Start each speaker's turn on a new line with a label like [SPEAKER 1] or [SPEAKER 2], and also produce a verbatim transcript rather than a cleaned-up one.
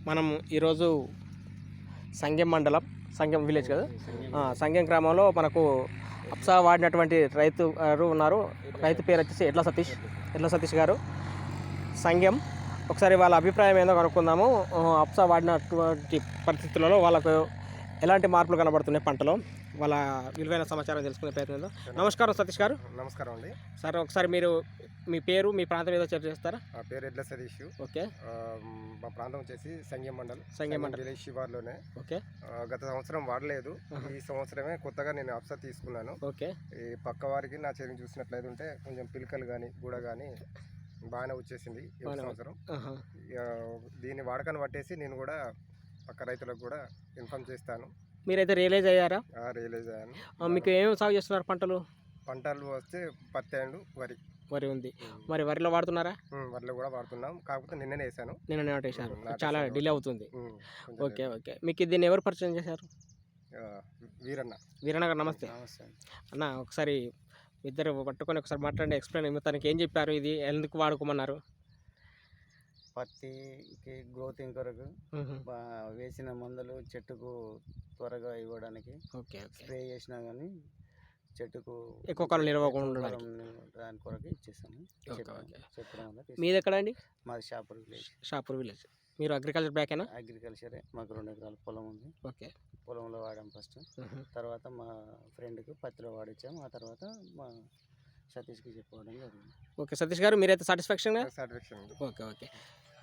[SPEAKER 1] మనం ఈరోజు సంగెం మండలం సంగెం విలేజ్ కదా సంగెం గ్రామంలో మనకు అప్సా వాడినటువంటి రైతు గారు ఉన్నారు. రైతు పేరు వచ్చేసి ఎడ్ల సతీష్ ఎడ్ల సతీష్ గారు సంగెం. ఒకసారి వాళ్ళ అభిప్రాయం ఏందో కనుక్కుందాము. అప్సా వాడినటువంటి పరిస్థితులలో వాళ్ళకు ఎలాంటి మార్పులు కనబడుతున్నాయి పంటలో, వాళ్ళ విలువైన సమాచారం తెలుసుకునే ప్రయత్నం. నమస్కారం సతీష్ గారు.
[SPEAKER 2] నమస్కారం అండి
[SPEAKER 1] సార్, ఒకసారి మీరు మీ పేరు మీ ప్రాంతం ఏదో చర్చ చేస్తారా?
[SPEAKER 2] నా పేరు ఎడ్ల సతీష్.
[SPEAKER 1] ఓకే.
[SPEAKER 2] మా ప్రాంతం వచ్చేసి సంగెం మండల్
[SPEAKER 1] సంగెం మండల్
[SPEAKER 2] విలేజ్ శివార్లోనే.
[SPEAKER 1] ఓకే.
[SPEAKER 2] గత సంవత్సరం వాడలేదు, ఈ సంవత్సరమే కొత్తగా నేను అప్సా తీసుకున్నాను.
[SPEAKER 1] ఓకే. ఈ
[SPEAKER 2] పక్క వారికి నా చేతిని చూసినట్లయితే ఉంటే కొంచెం పిలకలు కానీ గూడ కానీ బాగానే వచ్చేసింది ఈ సంవత్సరం. దీన్ని వాడకాన్ని పట్టేసి నేను కూడా పక్క రైతులకు కూడా ఇన్ఫార్మ్ చేస్తాను.
[SPEAKER 1] మీరైతే రియలైజ్ అయ్యారా?
[SPEAKER 2] రియలైజ్ అయ్యాను.
[SPEAKER 1] మీకు ఏమేమి సాగు చేస్తున్నారు పంటలు?
[SPEAKER 2] పంటలు వస్తే పత్తి అండ్ వరి.
[SPEAKER 1] వరి ఉంది. మరి వరిలో వాడుతున్నారా?
[SPEAKER 2] వరిలో కూడా వాడుతున్నాం, కాకపోతే నిన్ననే వేసాను.
[SPEAKER 1] నిన్న వేసాను, చాలా డిలే అవుతుంది. Okay okay. మీకు దీన్ని ఎవరు పరిచయం చేశారు?
[SPEAKER 2] వీరన్న.
[SPEAKER 1] వీరన్న గారు నమస్తే.
[SPEAKER 2] నమస్తే
[SPEAKER 1] అన్న, ఒకసారి ఇద్దరు పట్టుకొని ఒకసారి మాట్లాడి ఎక్స్ప్లెయిన్ తనకి ఏం చెప్పారు, ఇది ఎందుకు వాడుకోమన్నారు?
[SPEAKER 3] పత్తికి గ్రోతింగ్ కొరకు వేసిన మందులు చెట్టుకు త్వరగా ఇవ్వడానికి.
[SPEAKER 1] ఓకే.
[SPEAKER 3] స్ప్రే చేసినా కానీ చెట్టుకు
[SPEAKER 1] ఎక్కువ కాలం నిలవకుండా
[SPEAKER 3] దాని కొరకు ఇచ్చేసాము. చెప్పడం వల్ల.
[SPEAKER 1] మీది ఎక్కడ అండి?
[SPEAKER 3] మాది షాపూర్ విలేజ్.
[SPEAKER 1] షాపూర్ విలేజ్. మీరు అగ్రికల్చర్ బ్యాకేనా?
[SPEAKER 3] అగ్రికల్చరే. మాకు రెండు ఎకరాల పొలం ఉంది.
[SPEAKER 1] ఓకే.
[SPEAKER 3] పొలంలో వాడాం ఫస్ట్, తర్వాత మా ఫ్రెండ్కి పత్తిలో వాడిచ్చాము, ఆ తర్వాత మా సతీష్కి చెప్పుకోవడం జరిగింది.
[SPEAKER 1] ఓకే. సతీష్ గారు, మీరైతే సాటిస్ఫాక్షన్?
[SPEAKER 2] సాటిస్ఫాక్షన్.
[SPEAKER 1] Okay okay.